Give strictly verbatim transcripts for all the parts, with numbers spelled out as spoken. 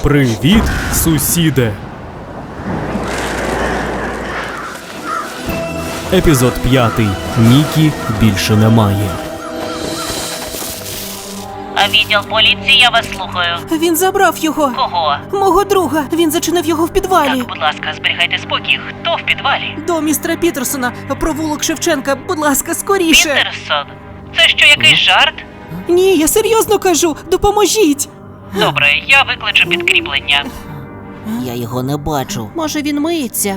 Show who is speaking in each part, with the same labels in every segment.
Speaker 1: Привіт, сусіде! Епізод п'ятий. Нікі більше немає.
Speaker 2: А відділ поліції, я вас слухаю.
Speaker 3: Він забрав його.
Speaker 2: Кого?
Speaker 3: Мого друга. Він зачинив його в підвалі.
Speaker 2: Так, будь ласка, зберігайте спокій. Хто в підвалі?
Speaker 3: До містера Пітерсона. Провулок Шевченка. Будь ласка, скоріше.
Speaker 2: Пітерсон? Це що, якийсь жарт?
Speaker 3: Ні, я серйозно кажу. Допоможіть.
Speaker 2: Добре, я викличу підкріплення.
Speaker 3: Я його не бачу. Може, він миється?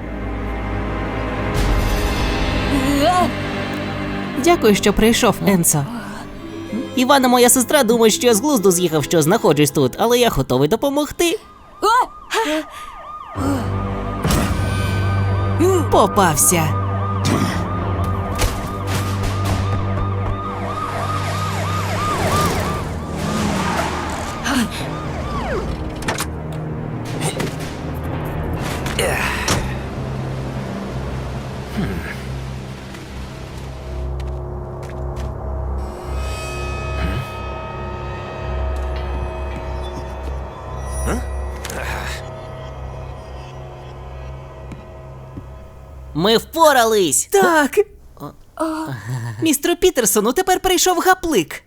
Speaker 3: Дякую, що прийшов, Енсо. Івана, моя сестра, думає, що я з глузду з'їхав, що знаходжусь тут, але я готовий допомогти. Попався. Ми впорались! Так! Містеру Пітерсону тепер прийшов гаплик.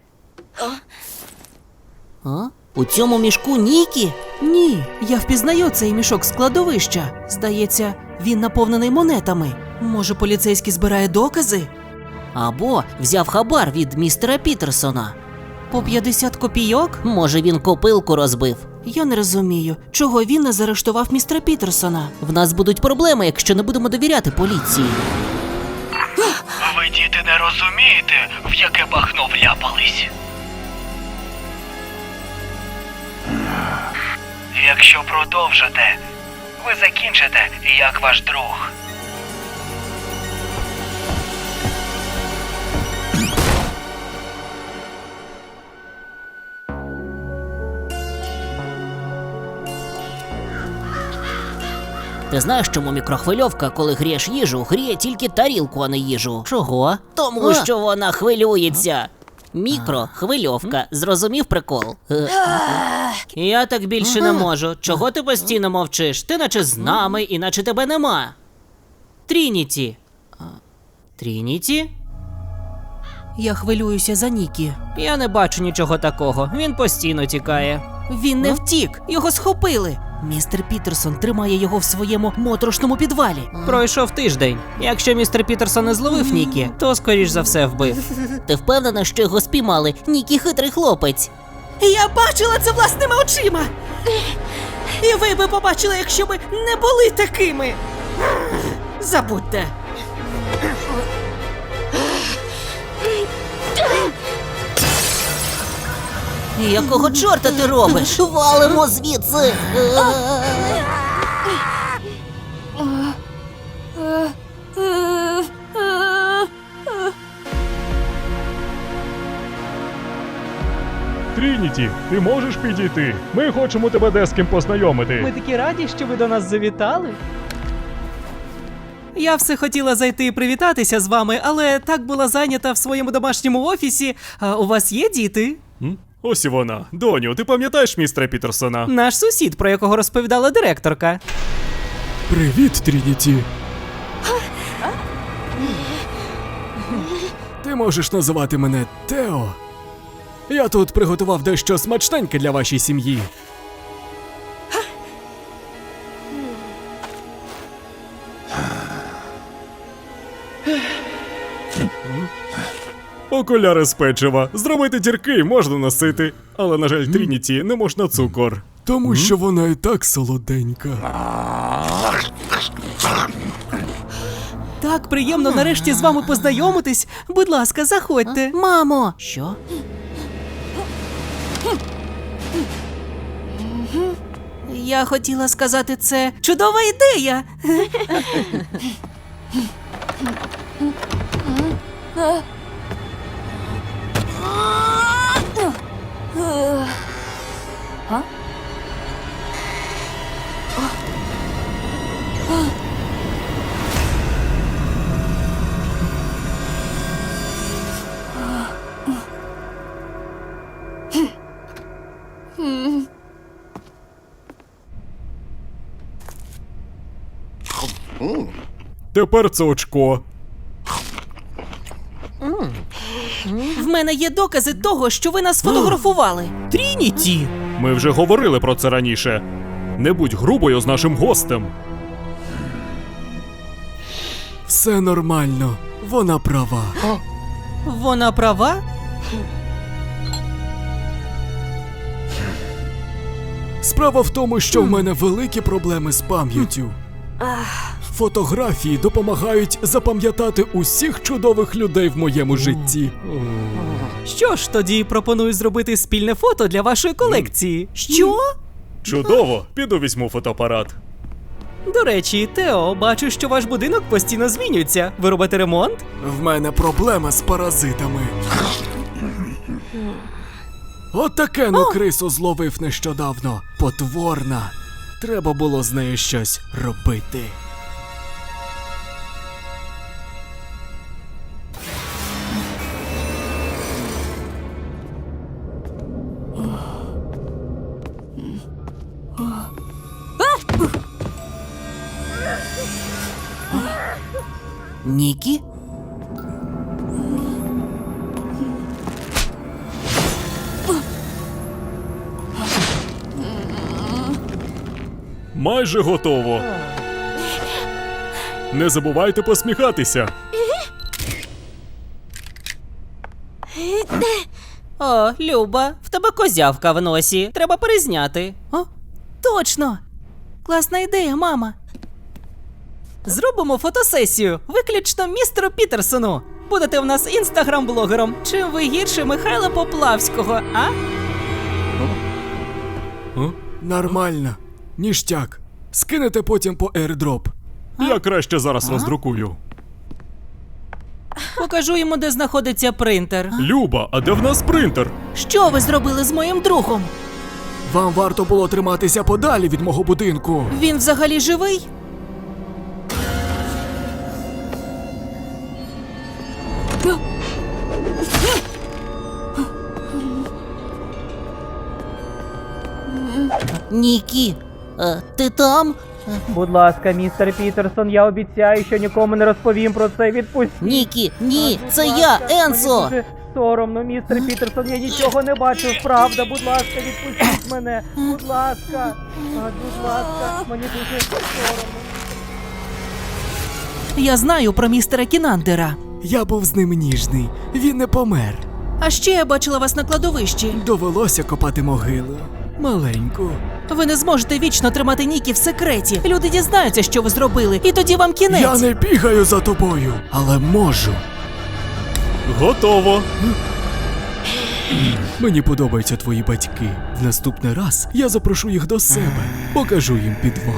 Speaker 3: А? У цьому мішку Нікі? Ні, я впізнаю цей мішок з кладовища. Здається, він наповнений монетами. Може, поліцейський збирає докази? Або взяв хабар від містера Пітерсона. По п'ятдесят копійок? Може, він копилку розбив. Я не розумію, чого він не заарештував містера Пітерсона. В нас будуть проблеми, якщо не будемо довіряти поліції.
Speaker 4: Ви, діти, не розумієте, в яке бахно вляпались? Якщо продовжите, ви закінчите, як ваш друг.
Speaker 3: Ти знаєш, чому мікрохвильовка, коли грієш їжу, гріє тільки тарілку, а не їжу? Чого? Тому а. що вона хвилюється. Мікрохвильовка. Зрозумів прикол? Я так більше не можу. Чого ти постійно мовчиш? Ти наче з нами, іначе тебе нема. Трініті. Трініті? Я хвилююся за Нікі. Я не бачу нічого такого. Він постійно тікає. Він не втік. Його схопили. Містер Пітерсон тримає його в своєму моторошному підвалі. Пройшов тиждень. Якщо містер Пітерсон не зловив Нікі, то, скоріш за все, вбив. Ти впевнена, що його спіймали? Нікі хитрий хлопець. Я бачила це власними очима. І ви би побачили, якщо би не були такими. Забудьте. Якого чорта ти робиш? Валимо звідси!
Speaker 1: Трініті, ти можеш підійти? Ми хочемо тебе де з ким познайомити.
Speaker 5: Ми такі раді, що ви до нас завітали. Я все хотіла зайти і привітатися з вами, але так була зайнята в своєму домашньому офісі. А у вас є діти?
Speaker 1: М? Ось і вона. Доню, ти пам'ятаєш містера Пітерсона?
Speaker 5: Наш сусід, про якого розповідала директорка.
Speaker 1: Привіт, Трініті. Ти можеш називати мене Тео. Я тут приготував дещо смачненьке для вашої сім'ї. Окуляри з печива. Зробити дірки можна носити, але, на жаль, Трініті не можна цукор. Тому що вона і так солоденька.
Speaker 5: Так приємно нарешті з вами познайомитись. Будь ласка, заходьте.
Speaker 3: Мамо! Що? Я хотіла сказати, це чудова ідея.
Speaker 1: Тепер це очко.
Speaker 5: В мене є докази того, що ви нас фотографували. Трініті!
Speaker 1: Ми вже говорили про це раніше. Не будь грубою з нашим гостем.
Speaker 6: Все нормально, вона права.
Speaker 5: Вона права?
Speaker 6: Справа в тому, що в мене великі проблеми з пам'яттю. Фотографії допомагають запам'ятати усіх чудових людей в моєму житті.
Speaker 5: Що ж, тоді пропоную зробити спільне фото для вашої колекції. Що?
Speaker 1: Чудово, піду візьму фотоапарат.
Speaker 5: До речі, Тео, бачу, що ваш будинок постійно змінюється. Ви робите ремонт?
Speaker 6: В мене проблема з паразитами. От такену крису зловив нещодавно. Потворна. Треба було з нею щось робити.
Speaker 3: Нікі?
Speaker 1: Майже готово. Не забувайте посміхатися.
Speaker 5: О, Люба, в тебе козявка в носі. Треба перезняти. О, точно! Класна ідея, мама. Зробимо фотосесію, виключно містеру Пітерсону. Будете в нас інстаграм-блогером. Чим ви гірше Михайла Поплавського, а?
Speaker 6: Нормально. Ніштяк. Скинете потім по airdrop.
Speaker 1: Я краще зараз роздрукую.
Speaker 5: Покажу йому, де знаходиться принтер.
Speaker 1: Люба, а де в нас принтер?
Speaker 5: Що ви зробили з моїм другом?
Speaker 6: Вам варто було триматися подалі від мого будинку.
Speaker 5: Він взагалі живий?
Speaker 3: Нікі, е, ти там?
Speaker 5: Будь ласка, містер Пітерсон, я обіцяю, що нікому не розповім про це. Відпустіть.
Speaker 3: Нікі, ні, це я, Енсо!
Speaker 5: Мені дуже соромно, містер Пітерсон, я нічого не бачу, правда. Будь ласка, відпустіть мене. Будь ласка. А, будь ласка, мені дуже соромно. Я знаю про містера Кінандера.
Speaker 6: Я був з ним ніжний. Він не помер.
Speaker 5: А ще я бачила вас на кладовищі.
Speaker 6: Довелося копати могилу. Маленьку.
Speaker 5: Ви не зможете вічно тримати Нікі в секреті. Люди дізнаються, що ви зробили, і тоді вам кінець.
Speaker 6: Я не бігаю за тобою, але можу.
Speaker 1: Готово.
Speaker 6: Мені подобаються твої батьки. В наступний раз я запрошу їх до себе. Покажу їм підвал.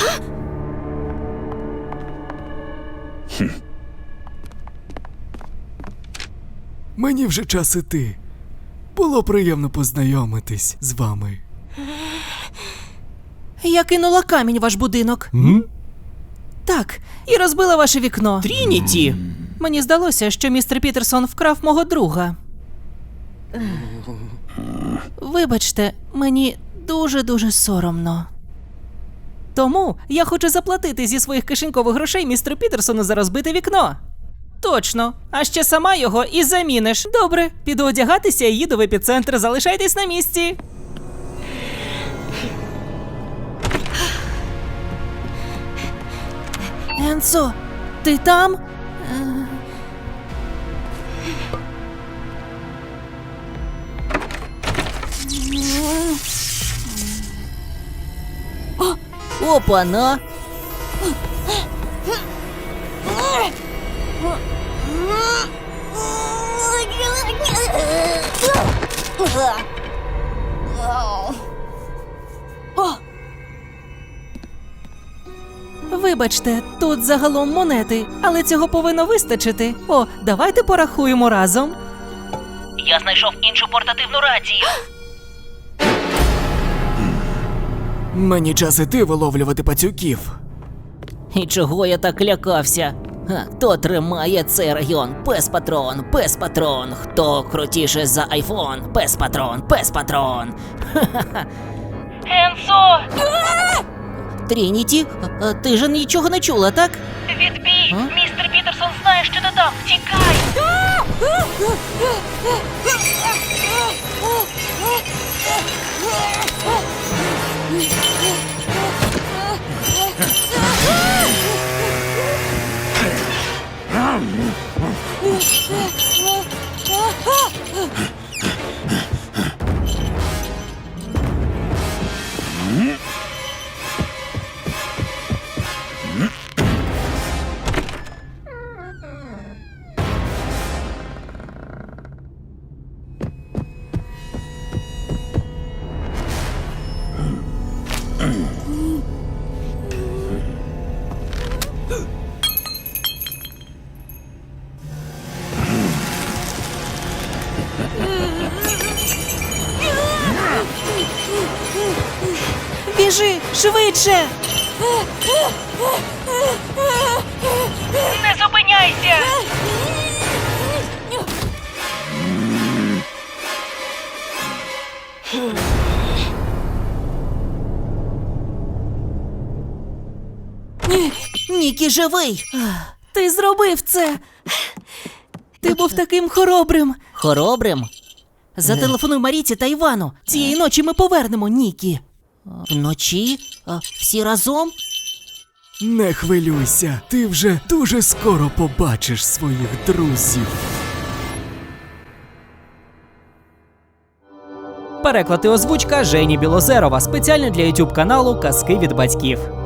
Speaker 6: Мені вже час іти. Було приємно познайомитись з вами.
Speaker 5: Я кинула камінь в ваш будинок.
Speaker 6: М?
Speaker 5: Так, і розбила ваше вікно. Трініті! Мені здалося, що містер Пітерсон вкрав мого друга. Вибачте, мені дуже-дуже соромно. Тому я хочу заплатити зі своїх кишенькових грошей містеру Пітерсону за розбите вікно. Точно. А ще сама його і заміниш. Добре, піду одягатися і їду в епіцентр. Залишайтесь на місці. Енсо, ти там?
Speaker 3: Опа-на!
Speaker 5: Вибачте, тут загалом монети, але цього повинно вистачити. О, давайте порахуємо разом.
Speaker 2: Я знайшов іншу портативну рацію.
Speaker 6: Мені час іти виловлювати пацюків.
Speaker 3: І чого я так лякався? Ха, хто тримає цей район? Пес-патрон, пес-патрон. Хто крутіше за айфон? Пес-патрон, пес-патрон.
Speaker 2: Енсо!
Speaker 3: Трініті, а, а ти ж нічого не чула, так?
Speaker 2: Відбій!
Speaker 3: А?
Speaker 2: Містер Пітерсон знає, що ти там! Тікай!
Speaker 5: Біжи, швидше!
Speaker 2: Не зупиняйся!
Speaker 3: Ні, Нікі живий.
Speaker 5: Ти зробив це! Ти був таким хоробрим!
Speaker 3: Хоробрим?
Speaker 5: Зателефонуй Маріці та Івану. Цієї ночі ми повернемо Нікі.
Speaker 3: Вночі? А, всі разом?
Speaker 6: Не хвилюйся, ти вже дуже скоро побачиш своїх друзів.
Speaker 5: Переклад і озвучка Жені Білозерова спеціально для ютуб каналу Казки від батьків.